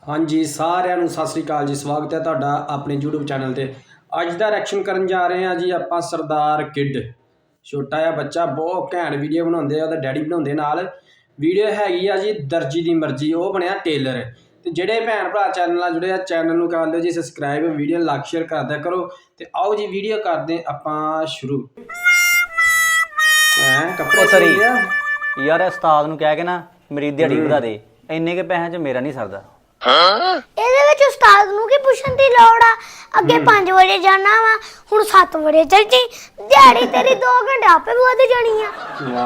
हाँ जी सारिਆਂ ਨੂੰ सत श्री अकाल जी स्वागत है ਤੁਹਾਡਾ ਆਪਣੇ YouTube चैनल ਤੇ। ਅੱਜ ਦਾ ਰਿਐਕਸ਼ਨ ਕਰਨ ਜਾ ਰਹੇ ਹਾਂ ਜੀ ਆਪਾਂ ਸਰਦਾਰ ਕਿਡ। ਛੋਟਾ ਜਿਹਾ ਬੱਚਾ ਬਹੁਤ ਘੈਂਟ ਵੀਡੀਓ ਬਣਾਉਂਦੇ ਆ, ਉਹਦਾ ਡੈਡੀ ਬਣਾਉਂਦੇ ਨਾਲ। ਵੀਡੀਓ ਹੈਗੀ ਆ ਜੀ ਦਰਜੀ ਦੀ ਮਰਜ਼ੀ, ਉਹ ਬਣਿਆ ਟੇਲਰ। ਤੇ ਜਿਹੜੇ ਭੈਣ ਭਰਾ ਚੈਨਲ ਨਾਲ ਜੁੜੇ ਆ ਚੈਨਲ ਨੂੰ ਕਰ ਦਿਓ ਜੀ ਸਬਸਕ੍ਰਾਈਬ, ਵੀਡੀਓ ਲਾਈਕ ਸ਼ੇਅਰ ਕਰਦਿਆ ਕਰੋ। ਤੇ ਆਓ ਜੀ ਵੀਡੀਓ ਕਰਦੇ ਆਪਾਂ ਸ਼ੁਰੂ। ਕੱਪੜੇ ਤਰੀ ਯਾਰ ਉਸਤਾਦ ਨੂੰ ਕਹਿ ਕੇ ਨਾ ਮੇਰੀ ਦਿਹਾੜੀ ਵਧਾ ਦੇ, ਇੰਨੇ ਕੇ ਪੈਸਿਆਂ 'ਚ ਮੇਰਾ ਨਹੀਂ ਸਰਦਾ। ਇਹਦੇ ਵਿੱਚ ਉਸਤਾਦ ਨੂੰ ਕੀ ਪੁੱਛਣ ਦੀ ਲੋੜ ਆ? ਅੱਗੇ 5 ਵਜੇ ਜਾਣਾ ਵਾ, ਹੁਣ 7 ਵਜੇ ਚੱਲ ਜੀ, ਦਿਹਾੜੀ ਤੇਰੀ 2 ਘੰਟੇ ਆਪੇ ਵਧ ਜਾਣੀ ਆ।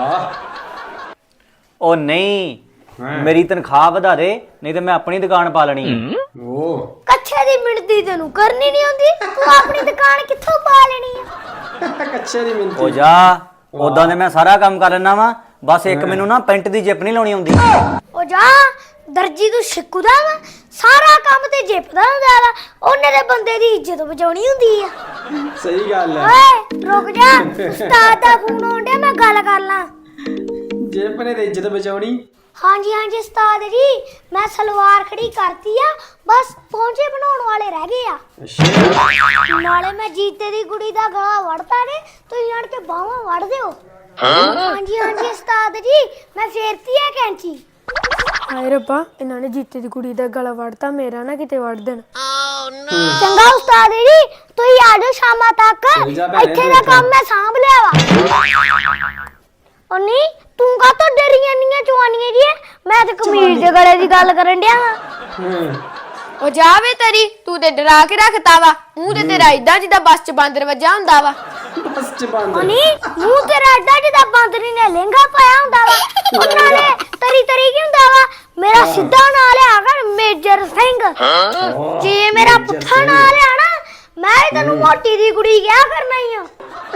ਵਾਹ ਉਹ ਨਹੀਂ, ਮੇਰੀ ਤਨਖਾਹ ਵਧਾ ਦੇ, ਨਹੀਂ ਤੇ ਮੈਂ ਆਪਣੀ ਦੁਕਾਨ ਪਾ ਲੈਣੀ। ਉਹ ਕੱਛੇ ਦੀ ਮਿਣਤੀ ਤੈਨੂੰ ਕਰਨੀ ਨਹੀਂ ਆਉਂਦੀ, ਤੂੰ ਆਪਣੀ ਦੁਕਾਨ ਕਿੱਥੋਂ ਪਾ ਲੈਣੀ ਆ? ਕੱਚੇ ਦੀ ਮਿੰਤੀ। ਉਹ ਜਾ, ਉਦਾਂ ਦੇ ਮੈਂ ਸਾਰਾ ਕੰਮ ਕਰ ਲੈਣਾ ਵਾ, ਬਸ ਇੱਕ ਮੈਨੂੰ ਨਾ ਪੈਂਟ ਦੀ ਜਿੱਪ ਨਹੀਂ ਲਾਉਣੀ ਆਉਂਦੀ। ਉਹ ਜਾ, ਦਰਜੀ ਤੂੰ ਸਿੱਕੂ ਦਾ ਵਾ, ਸਾਰਾ ਕੰਮ ਤੇ ਜਿੱਪ ਦਾ ਹੁੰਦਾ ਵਾ, ਉਹਨੇ ਦੇ ਬੰਦੇ ਦੀ ਇੱਜ਼ਤ ਬਚਾਉਣੀ ਹੁੰਦੀ ਆ। ਸਹੀ ਗੱਲ ਹੈ। ਓਏ ਰੁਕ ਜਾ, ਉਸਤਾਦ ਦਾ ਫੋਨ ਆਉਣ ਡਿਆ, ਮੈਂ ਗੱਲ ਕਰ ਲਾਂ। ਜੇਬ ਨੇ ਤੇ ਇੱਜ਼ਤ ਬਚਾਉਣੀ। ਹਾਂਜੀ ਹਾਂਜੀ ਉਸਤਾਦ ਜੀ, ਮੈਂ ਸਲਵਾਰ ਖੜੀ ਕਰਤੀ ਆ, ਬਸ ਪਹੁੰਚੇ ਬਣਾਉਣ ਵਾਲੇ ਰਹਿ ਗਏ ਆ। ਅੱਛਾ ਨਾਲੇ ਮੈਂ ਜੀਤੇ ਦੀ ਕੁੜੀ ਦਾ ਗਲਾ ਵੜਤਾ ਨੇ, ਤੁਸੀਂ ਆਣ ਕੇ ਬਾਹਾਂ ਵੜ ਦਿਓ। ਹਾਂਜੀ ਹਾਂਜੀ ਉਸਤਾਦ ਜੀ, ਮੈਂ ਫੇਰਤੀ ਆ ਕੈਂਚੀ। ਹਾਏ ਰੱਬਾ, ਇਹਨਾਂ ਨੇ ਜੀਤੇ ਦੀ ਕੁੜੀ ਦਾ ਗਲਾ ਵੜਤਾ, ਮੇਰਾ ਨਾ ਕਿਤੇ ਵੜ ਦੇਣ। ਚੰਗਾ ਉਸਤਾਦ ਜੀ, ਤੁਸੀਂ ਆ ਜਾਓ ਸ਼ਾਮਾਂ ਤੱਕ, ਚੱਲ ਜਾ ਭੈਣੇ, ਇੱਥੇ ਦਾ ਕੰਮ ਮੈਂ ਸਾਂਭ ਲਿਆ ਵਾ। ਉਹ ਨਹੀਂ, ਤੂੰ ਕਾਹਤੋਂ ਡਰੀਆਂ ਨੀਆਂ ਚਵਾਨੀਆਂ ਜੀ? ਮੈਂ ਤੇ ਕਮੀਜ਼ ਦੇ ਗਲੇ ਦੀ ਗੱਲ ਕਰਨ ਡਿਆ ਵਾਂ। ਉਹ ਜਾਵੇ ਤੇਰੀ, ਤੂੰ ਤੇ ਡਰਾ ਕੇ ਰੱਖਤਾ ਵਾ, ਮੂੰਹ ਤੇ ਤੇਰਾ ਇਦਾਂ ਜਿੱਦਾਂ ਬੱਸ 'ਚ ਬਾਂਦਰ ਵੱਜਾ ਹੁੰਦਾ ਵਾ। ਬਸ ਚ ਬੰਦ। ਉਹ ਨਹੀਂ, ਮੂੰਹ ਤੇਰਾ ਏਡਾ ਜਿੱਦਾਂ ਬਾਂਦਰੀ ਨੇ ਲਹਿੰਗਾ ਪਾਇਆ ਹੁੰਦਾ ਵਾ। ਉਹ ਨਾਲੇ ਤਰੀ ਤਰੀ ਕੀ ਹੁੰਦਾ ਵਾ? ਮੇਰਾ ਸਿੱਧਾ ਨਾਂ ਲਿਆ ਕਰ, ਮੇਜਰ ਸਿੰਘ। ਜੇ ਮੇਰਾ ਪੁੱਠਾ ਨਾਂ ਲਿਆ ਨਾ, ਮੈਂ ਹੀ ਤੈਨੂੰ ਮੋਟੀ ਦੀ ਕੁੜੀ ਕਿਹਾ ਕਰਨਾ ਹੀ ਆ।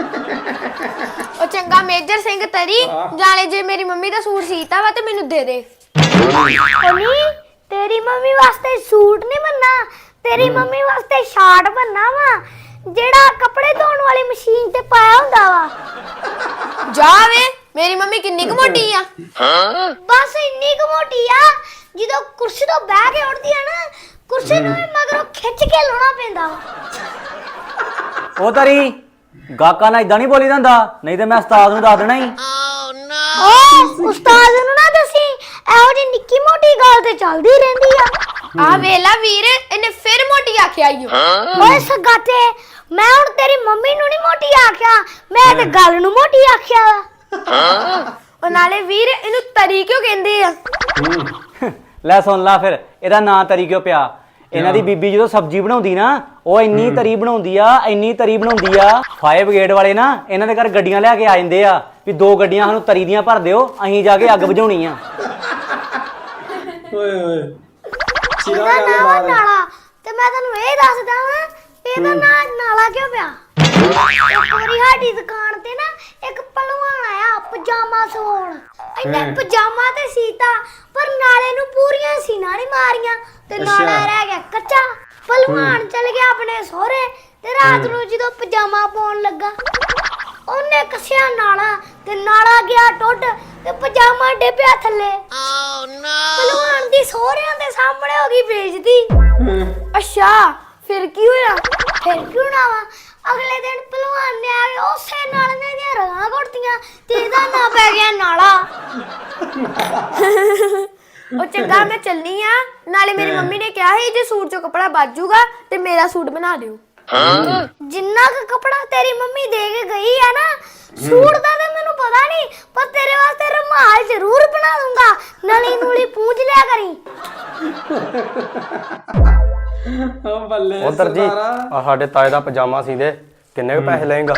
ਉਹ ਚੰਗਾ ਮੇਜਰ ਸਿੰਘ ਤੇਰੀ, ਜਾਣੇ ਜੇ ਮੇਰੀ ਮੰਮੀ ਦਾ ਸੂਟ ਸੀਤਾ ਵਾ ਤੇ ਮੈਨੂੰ ਦੇ ਦੇ। ਉਹ ਨਹੀਂ, ਤੇਰੀ ਮੰਮੀ ਵਾਸਤੇ ਸੂਟ ਨਹੀਂ ਬੰਨਾ, ਤੇਰੀ ਮੰਮੀ ਵਾਸਤੇ ਸ਼ਾਰਟ ਬੰਨਾ ਵਾ, ਜਿਹੜਾ ਕੱਪੜੇ ਧੋਣ ਵਾਲੀ ਮਸ਼ੀਨ ਤੇ ਪਾਇਆ ਹੁੰਦਾ ਵਾ। ਜਾਵੇ, ਮੇਰੀ ਮੰਮੀ ਕਿੰਨੀ ਕੁ ਮੋਟੀ ਆ? ਬਸ ਇੰਨੀ ਕੁ ਮੋਟੀ ਆ, ਜਦੋਂ ਕੁਰਸੀ ਤੋਂ ਬਹਿ ਕੇ ਉੱਠਦੀ ਆ ਨਾ, ਕੁਰਸੀ ਨੂੰ ਵੀ ਮਗਰੋਂ ਖਿੱਚ ਕੇ ਲਾਉਣਾ ਪੈਂਦਾ ਵਾ। ਉਹ ਤਰੀ ਗਾਕਾਂ ਨਾਲ ਇਦਾਂ ਨਹੀਂ ਬੋਲੀ ਜਾਂਦਾ, ਨਹੀਂ ਤੇ ਮੈਂ ਉਸਤਾਦ ਨੂੰ ਦੱਸ ਦੇਣਾ ਹੀ। ਓ ਉਸਤਾਦ ਨੂੰ ਨਾ ਦੱਸੀ, ਇਹੋ ਜਿਹੀ ਨਿੱਕੀ ਮੋਟੀ ਗੱਲ ਤੇ ਚੱਲਦੀ ਰਹਿੰਦੀ ਆ। ਆ ਵੇਲਾ ਵੀਰ, ਇਹਨੇ ਫਿਰ ਮੋਟੀ ਆਖਿਆ ਈਓ। ਓਏ ਸਗਾਤੇ, ਮੈਂ ਹੁਣ ਤੇਰੀ ਮੰਮੀ ਨੂੰ ਨਹੀਂ ਮੋਟੀ ਆਖਿਆ, ਮੈਂ ਤੇ ਗੱਲ ਨੂੰ ਮੋਟੀ ਆਖਿਆ ਵਾ। ਉਹ ਨਾਲੇ ਵੀਰ, ਇਹਨੂੰ ਤਰੀ ਕਿਉਂ ਕਹਿੰਦੇ ਆ? ਲੈ ਸੁਣ ਲਾ ਫਿਰ, ਇਹਦਾ ਨਾਂ ਤਰੀ ਕਿਉਂ ਪਿਆ? ਇਹਨਾਂ ਦੀ ਬੀਬੀ ਜਦੋਂ ਸਬਜ਼ੀ ਬਣਾਉਂਦੀ ਨਾ, ਉਹ ਇੰਨੀ ਤਰੀ ਬਣਾਉਂਦੀ ਆ, ਇੰਨੀ ਤਰੀ ਬਣਾਉਂਦੀ ਆ, ਫਾਇਰ ਬ੍ਰਿਗੇਡ ਵਾਲੇ ਨਾ ਇਹਨਾਂ ਦੇ ਘਰ ਗੱਡੀਆਂ ਲਿਆ ਕੇ ਆ ਜਾਂਦੇ ਆ ਵੀ 2 ਗੱਡੀਆਂ ਸਾਨੂੰ ਤਰੀ ਦੀਆਂ ਭਰ ਦਿਓ, ਅਸੀਂ ਜਾ ਕੇ ਅੱਗ ਬੁਝਾਉਣੀ ਆ। ਓਏ ਓਏ ਇਹਦਾ ਨਾਂ ਵਾ ਨਾਲਾ, ਤੇ ਮੈਂ ਤੈਨੂੰ ਇਹ ਦੱਸਦਾ ਵਾਂ, ਇਹਦਾ ਨਾਂ ਨਾਲਾ ਕਿਉਂ ਪਿਆ? ਇੱਕ ਵਾਰੀ ਸਾਡੀ ਦੁਕਾਨ ਤੇ ਨਾ ਇੱਕ ਪਹਿਲਵਾਨ ਆਇਆ ਪਜਾਮਾ ਸਵਾਉਣ। ਇਹਨੇ ਪਜਾਮਾ ਤੇ ਸੀਤਾ, ਪਰ ਨਾਲੇ ਨੂੰ ਪੂਰੀਆਂ ਸੀਨਾ ਨਹੀਂ ਮਾਰੀਆਂ, ਤੇ ਨਾਲਾ ਰਹਿ ਗਿਆ ਕੱਚਾ। ਪਹਿਲਵਾਨ ਚਲ ਗਿਆ ਆਪਣੇ ਸਹੁਰੇ, ਤੇ ਰਾਤ ਨੂੰ ਜਦੋਂ ਪਜਾਮਾ ਪਾਉਣ ਲੱਗਾ, ਉਹਨੇ ਕੱਸਿਆ ਨਾਲਾ, ਤੇ ਨਾਲਾ ਗਿਆ ਟੁੱਟ, ਤੇ ਪਜਾਮਾ ਡਿੱਪਿਆ ਥੱਲੇ। ਪਹਿਲਵਾਨ ਦੀ ਸਹੁਰਿਆਂ ਦੇ ਸਾਹਮਣੇ ਹੋ ਗਈ ਬੇਇੱਜ਼ਤੀ। ਅੱਛਾ, ਫਿਰ ਕੀ ਹੋਇਆ? ਫਿਰ ਕੀ ਹੋਣਾ ਵਾ? ਅਗਲੇ ਦਿਨ ਪਹਿਲਵਾਨ ਨੇ ਆ ਕੇ ਉਸੇ ਨਾਲ ਦੀਆਂ ਰਗਾਂ ਘੁੱਟਦੀਆਂ, ਤੇ ਇਹਦਾ ਨਾਂ ਪੈ ਗਿਆ ਨਾਲਾ। ਉਹ ਚੰਗਾ, ਮੈਂ ਚੱਲਨੀ ਆ, ਨਾਲੇ ਮੇਰੀ ਮੰਮੀ ਨੇ ਕਿਹਾ ਸੀ ਜੇ ਸੂਟ ਚੋਂ ਕੱਪੜਾ ਬਚ ਜਾਊਗਾ ਤੇ ਮੇਰਾ ਸੂਟ ਬਣਾ ਦਿਓ। ਜਿੰਨਾ ਕੁ ਕੱਪੜਾ ਤੇਰੀ ਮੰਮੀ ਦੇ ਕੇ ਗਈ ਆ ਨਾ, ਸੂਟ ਦਾ ਤੇ ਮੈਨੂੰ ਪਤਾ ਨਹੀਂ, ਪਰ ਤੇਰੇ ਵਾਸਤੇ ਰੁਮਾਲ ਜ਼ਰੂਰ ਬਣਾ ਦੂੰਗਾ, ਨਲੀ ਨੂਲੀ ਪੂੰਝ ਲਿਆ ਕਰੀ। ਓ ਬੱਲੇ ਉਧਰ ਜੀ ਆ ਸਾਡੇ ਤਾਏ ਦਾ ਪਜਾਮਾ ਸੀਦੇ, ਕਿੰਨੇ ਕੁ ਪੈਸੇ ਲਏਗਾ?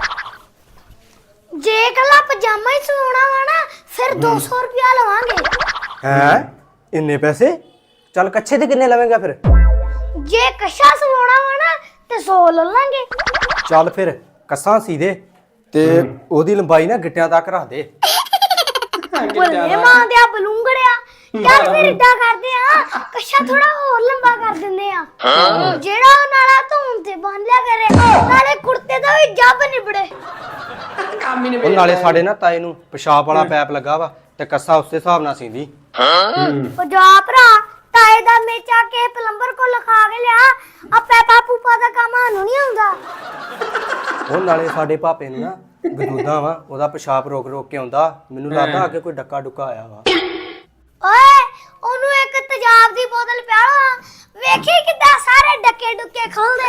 ਜੇ ਕੱਲਾ ਪਜਾਮਾ ਹੀ ਸਵਾਉਣਾ ਵਾ ਨਾ, ਫਿਰ 200 ਰੁਪਿਆ ਲਵਾਂਗੇ। ਹੈ ਇੰਨੇ ਪੈਸੇ? ਚੱਲ ਕੱਛੇ ਤੇ ਕਿੰਨੇ ਲਵੇਂਗਾ ਫਿਰ? ਜੇ ਕੱਛਾ ਸਵਾਉਣਾ ਵਾ ਨਾ, ਤੇ 100 ਲੈ ਲਾਂਗੇ। ਚੱਲ ਫਿਰ ਕੱਸਾਂ ਸੀਦੇ, ਤੇ ਉਹਦੀ ਲੰਬਾਈ ਨਾ ਗਿੱਟਿਆਂ ਤੱਕ ਰੱਖ ਦੇ। ਬੱਲੇ ਮਾਂ ਦੇ ਬਲੂੰਗੜਿਆ, ਚੱਲ ਫਿਰ ਇਦਾਂ ਕਰਦੇ ਆ, ਕੱਛਾ ਥੋੜਾ ਹੋਰ ਲੰਬਾ ਕਰ ਦਿੰਦੇ ਆ, ਜਿਹੜਾ ਉਹ ਨਾਲਾ ਧੋਣ ਤੇ ਬੰਨ ਲਿਆ ਕਰੇ, ਨਾਲੇ ਕੁੜਤੇ ਦਾ ਵੀ ਜੱਬ ਨਿਬੜੇ। ਉਹ ਨਾਲੇ ਸਾਡੇ ਨਾ ਤਾਏ ਨੂੰ ਪਿਸ਼ਾਬ ਵਾਲਾ ਪੈਪ ਲੱਗਾ ਵਾ, ਤੇ ਕੱਸਾ ਉਸੇ ਹਿਸਾਬ ਨਾਲ ਸੀਂਦੀ। ਉਹ ਜਾ ਭਰਾ, ਤਾਏ ਦਾ ਮੇਚਾ ਕੇ ਪਲੰਬਰ ਕੋ ਲਿਖਾ ਕੇ ਲਿਆ ਆ ਪੈਪਾ ਪੂਪਾ ਦਾ ਕੰਮ ਸਾਨੂੰ ਨਹੀਂ ਆਉਂਦਾ। ਉਹ ਨਾਲੇ ਸਾਡੇ ਭਾਪੇ ਨੂੰ ਨਾ ਗਦੂਦਾ ਵਾ, ਉਹਦਾ ਪਿਸ਼ਾਬ ਰੋਕ ਰੋਕ ਕੇ ਆਉਂਦਾ। ਮੈਨੂੰ ਲੱਗਦਾ ਅੱਗੇ ਕੋਈ ਡੱਕਾ ਡੁੱਕਾ ਆਇਆ ਵਾ। ਓਏ ਉਹਨੂੰ ਇੱਕ ਤੇਜ਼ਾਬ ਦੀ ਬੋਤਲ ਪਿਆਲਾ, ਵੇਖੀ ਕਿੱਦਾਂ ਸਾਰੇ ਡੱਕੇ ਡੁੱਕੇ ਖੋਲਦੇ।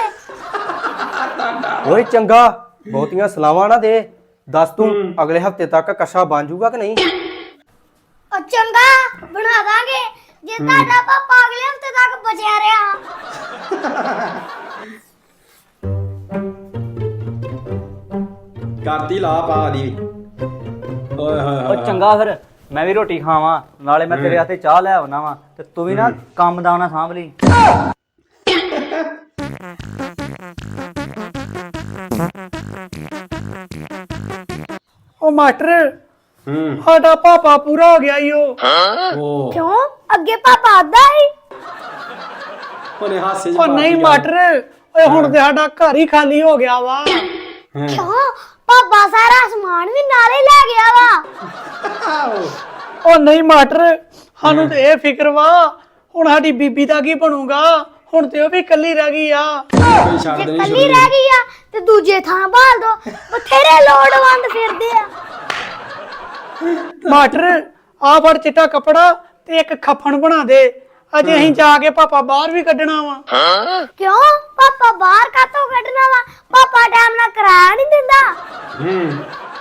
ਓਏ ਚੰਗਾ, ਬਹੁਤੀਆਂ ਸਲਾਵਾਂ ਨਾ ਦੇ। ਦੱਸ ਤੂੰ ਅਗਲੇ ਹਫਤੇ ਤੱਕ ਕਸ਼ਾ ਬਣ ਜਾਊਗਾ ਕਿ ਨਹੀਂ? ਉਹ ਚੰਗਾ ਬਣਾ ਦਾਂਗੇ ਜੇ ਤੁਹਾਡਾ ਪਾਪਾ ਅਗਲੇ ਹਫਤੇ ਤੱਕ ਬਚਿਆ ਰਿਹਾ। ਕਰਤੀ ਲਾ ਪਾ ਦੀ ਓਏ ਹੋਏ ਉਹ ਹੋਏ ਚੰਗਾ ਫਿਰ ਮੈਂ ਵੀ ਰੋਟੀ ਖਾਵਾਂ, ਨਾਲੇ ਮੈਂ ਤੇਰੇ ਵਾਸਤੇ ਚਾਹ ਲੈ ਆਉਣਾ ਵਾ, ਤੇ ਤੂੰ ਵੀ ਨਾ ਕੰਮ ਦਾ ਨਾ ਸਾਂਭ ਲਈ। ਉਹ ਮਾਸਟਰ ਹੂੰ ਸਾਡਾ ਪਾਪਾ ਪੂਰਾ ਹੋ ਗਿਆ ਈ ਉਹ। ਉਹ ਕਿਉਂ ਅੱਗੇ ਪਾਪਾ ਆਦਾ ਹੀ? ਉਹਨੇ ਹਾਸੇ ਚ ਉਹ ਨਹੀਂ ਪਾਤੀ ਗੱਲ। ਮਾਸਟਰ, ਓਏ ਹੁਣ ਤੇ ਸਾਡਾ ਘਰ ਹੀ ਖਾਲੀ ਹੋ ਗਿਆ ਵਾ। ਹੈਂ। ਕਿਉਂ ਪਾਪਾ ਸਾਰਾ ਸਮਾਨ ਵੀ ਨਾਲੇ ਲੈ ਗਿਆ ਵਾ। ਉਹ ਨਹੀਂ ਮਾਸਟਰ, ਸਾਨੂੰ ਤੇ ਇਹ ਫਿਕਰ ਵਾ ਹੁਣ ਸਾਡੀ ਬੀਬੀ ਦਾ ਕੀ ਬਣੂਗਾ। ਹੁਣ ਤੇ ਉਹ ਵੀ ਇਕੱਲੀ ਰਹਿ ਗਈ ਆ। ਕੋਈ ਛੱਡ ਜੇ ਦੇਣੀ ਕੱਲੀ ਛੁੱਟੀ। ਰਹਿ ਗਈ ਆ ਤੇ ਦੂਜੇ ਥਾਂ ਭਾਲ ਦੋ, ਬਥੇਰੇ ਲੋੜਵੰਦ ਫਿਰਦੇ ਆ। ਮਾਸਟਰ ਆ ਫੜ ਚਿੱਟਾ ਕੱਪੜਾ ਤੇ ਇੱਕ ਖੱਫਣ ਬਣਾ ਦੇ, ਅਜੇ ਅਸੀਂ ਜਾ ਕੇ ਪਾਪਾ ਬਾਹਰ ਵੀ ਕੱਢਣਾ ਵਾ। ਕਿਉਂ ਪਾਪਾ ਬਾਹਰ ਕਾਤੋਂ ਕੱਢਣਾ ਵਾ? ਪਾਪਾ ਟਾਈਮ ਨਾਲ ਕਿਰਾਇਆ ਨਹੀਂ ਦਿੰਦਾ। ਹੂੰ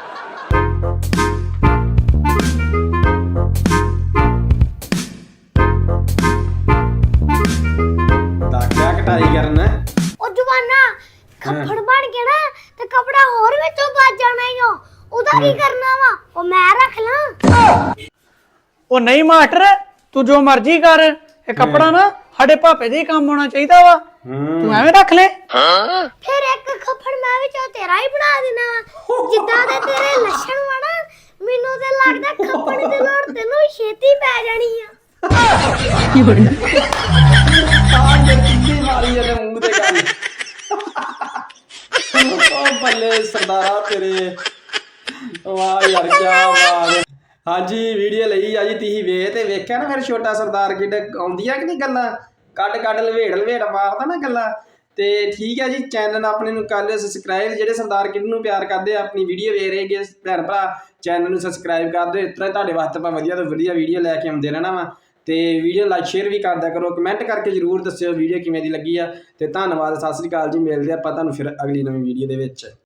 ਤਾਕਿਆ ਕਟਾਈ ਕਰਨ ਉਹ ਜਵਾਨਾ ਖੱਫੜ ਬਣ ਕੇ ਨਾ ਤੇ ਕਪੜਾ ਹੋਰ ਵਿੱਚੋਂ ਵੱਜ ਜਾਣਾ ਈ ਓ। ਉਹਦਾ ਕੀ ਕਰਨਾ ਵਾ? ਉਹ ਮੈਂ ਰੱਖ ਲਾਂ। ਉਹ ਨਹੀਂ ਮਾਸਟਰ, ਤੂੰ ਜੋ ਮਰਜ਼ੀ ਕਰ, ਇਹ ਕੱਪੜਾ ਨਾ ਸਾਡੇ ਪਾਪੇ ਦੇ ਹੀ ਕੰਮ ਆਉਣਾ ਚਾਹੀਦਾ ਵਾ। ਤੂੰ ਐਵੇਂ ਰੱਖ ਲੈ। ਫਿਰ ਇੱਕ ਖੱਫੜ ਮੈਂ ਵਿੱਚੋਂ ਤੇਰਾ ਹੀ ਬਣਾ ਦੇਣਾ ਵਾ। ਜਿੱਦਾਂ ਦੇ ਤੇਰੇ ਲੱਛਣ ਵਾ ਨਾ, ਮੈਨੂੰ ਤੇ ਲੱਗਦਾ ਖੱਫੜ ਦੀ ਲੋੜ ਤੈਨੂੰ ਵੀ ਛੇਤੀ ਪੈ ਜਾਣੀ ਆ। ਕਿੰਨੀ ਮਾਰੀ ਇਹਨੇ ਮੂੰਹ ਤੇ ਗੱਲ ਉਹ ਬੱਲੇ ਸਰਦਾਰਾ ਤੇਰੇ ਵਾਹ ਯਾਰ ਕੀ ਬਾਤ। ਹਾਂਜੀ ਵੀਡੀਓ ਲਈ ਆ ਜੀ ਤੁਸੀਂ ਵੇਖ ਤੇ ਵੇਖਿਆ ਨਾ ਫਿਰ ਛੋਟਾ ਸਰਦਾਰ ਕਿੱਡ ਆਉਂਦੀਆਂ ਕਿ ਨਹੀਂ ਗੱਲਾਂ ਕੱਢ ਕੱਢ ਲਵੇੜ ਮਾਰਦਾ ਨਾ ਗੱਲਾਂ। ਤੇ ਠੀਕ ਹੈ ਜੀ, ਚੈਨਲ ਆਪਣੇ ਨੂੰ ਕਰ ਲਿਓ ਸਬਸਕ੍ਰਾਈਬ। ਜਿਹੜੇ ਸਰਦਾਰ ਕਿੱਡ ਨੂੰ ਪਿਆਰ ਕਰਦੇ ਆ, ਆਪਣੀ ਵੀਡੀਓ ਵੇਖ ਰਹੇ ਹੈਗੇ ਭੈਣ ਭਰਾ, ਚੈਨਲ ਨੂੰ ਸਬਸਕ੍ਰਾਈਬ ਕਰ ਦਿਓ। ਇਸ ਤਰ੍ਹਾਂ ਤੁਹਾਡੇ ਵਾਸਤੇ ਆਪਾਂ ਵਧੀਆ ਤੋਂ ਵਧੀਆ ਵੀਡੀਓ ਲੈ ਕੇ ਆਉਂਦੇ ਰਹਿਣਾ ਵਾ। ਤੇ ਵੀਡੀਓ ਲਾਈਕ ਸ਼ੇਅਰ ਵੀ ਕਰਦਿਆ ਕਰੋ, ਕਮੈਂਟ ਕਰਕੇ ਜ਼ਰੂਰ ਦੱਸਿਓ ਵੀਡੀਓ ਕਿਵੇਂ ਦੀ ਲੱਗੀ ਆ। ਤੇ ਧੰਨਵਾਦ, ਸਤਿ ਸ੍ਰੀ ਅਕਾਲ ਜੀ। ਮਿਲਦੇ ਆਪਾਂ ਤੁਹਾਨੂੰ ਫਿਰ ਅਗਲੀ ਨਵੀਂ ਵੀਡੀਓ ਦੇ ਵਿੱਚ।